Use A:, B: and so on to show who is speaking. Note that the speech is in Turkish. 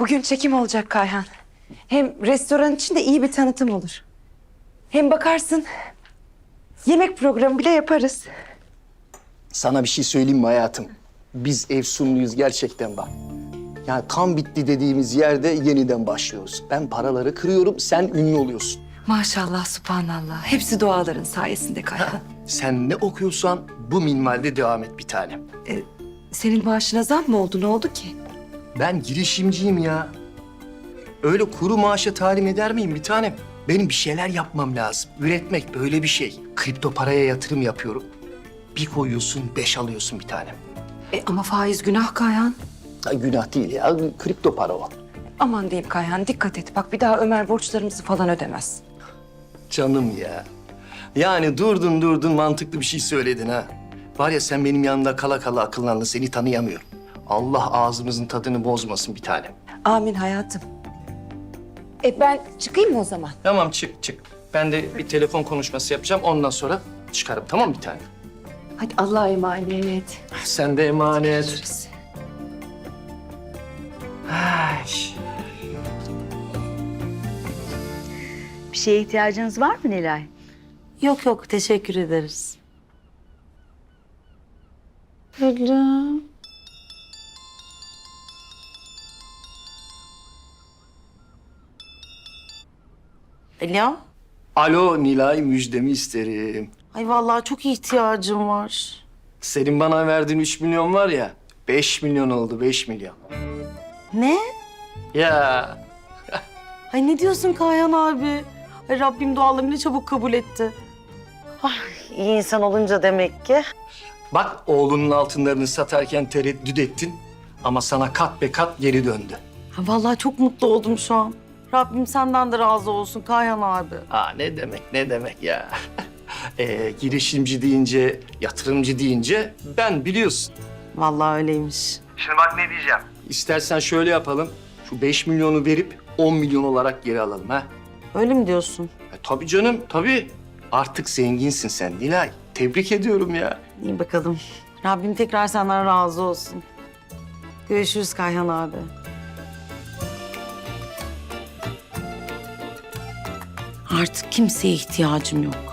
A: Bugün çekim olacak Kayhan. Hem restoran için de iyi bir tanıtım olur. Hem bakarsın yemek programı bile yaparız.
B: Sana bir şey söyleyeyim mi hayatım? Biz efsunluyuz gerçekten bak. Yani kan bitti dediğimiz yerde yeniden başlıyoruz. Ben paraları kırıyorum, sen ünlü oluyorsun.
A: Maşallah, subhanallah. Hepsi duaların sayesinde Kayhan.
B: Sen ne okuyorsan bu minvalde devam et bir tanem.
A: Senin maaşına zam mı oldu? Ne oldu ki?
B: Ben girişimciyim ya. Öyle kuru maaşa talim eder miyim bir tanem? Benim bir şeyler yapmam lazım. Üretmek böyle bir şey. Kripto paraya yatırım yapıyorum. Bir koyuyorsun, 5 alıyorsun bir tanem.
A: Ama faiz günah Kayhan.
B: Ya günah değil ya, kripto para o.
A: Aman diyeyim Kayhan, dikkat et. Bak bir daha Ömer borçlarımızı falan ödemez.
B: Canım ya. Yani durdun mantıklı bir şey söyledin ha. Var ya sen benim yanımda kala kala akıllandın, seni tanıyamıyorum. Allah ağzımızın tadını bozmasın bir tanem.
A: Amin hayatım. Ben çıkayım mı o zaman?
B: Tamam çık. Ben de bir telefon konuşması yapacağım, ondan sonra çıkarım, tamam mı bir tanem?
A: Hadi Allah'a emanet.
B: Sen de emanet.
A: Görüşürüz.
B: Ay.
C: Bir şeye ihtiyacınız var mı Nilay?
D: Yok yok teşekkür ederiz.
C: Gülüm.
D: Alo?
B: Alo Nilay, müjdemi isterim.
D: Ay vallahi çok ihtiyacım var.
B: Senin bana verdiğin 3 milyon var ya, 5 milyon oldu, 5 milyon.
D: Ne?
B: Ya
D: Ay ne diyorsun Kayhan abi? Ay Rabbim dualarımı ne çabuk kabul etti. Ay iyi insan olunca demek ki.
B: bak oğlunun altınlarını satarken tereddüt ettin ama sana kat be kat geri döndü.
D: Ay vallahi çok mutlu oldum şu an. Rabbim senden de razı olsun Kayhan abi.
B: Ne demek ya. Girişimci deyince, yatırımcı deyince ben biliyorsun.
D: Vallahi öyleymiş.
B: Şimdi bak ne diyeceğim. İstersen şöyle yapalım. Şu 5 milyonu verip 10 milyon olarak geri alalım ha.
D: Öyle mi diyorsun?
B: Tabii canım, tabii. Artık zenginsin sen Nilay. Tebrik ediyorum ya.
D: İyi bakalım. Rabbim tekrar senden razı olsun. Görüşürüz Kayhan abi. Artık kimseye ihtiyacım yok.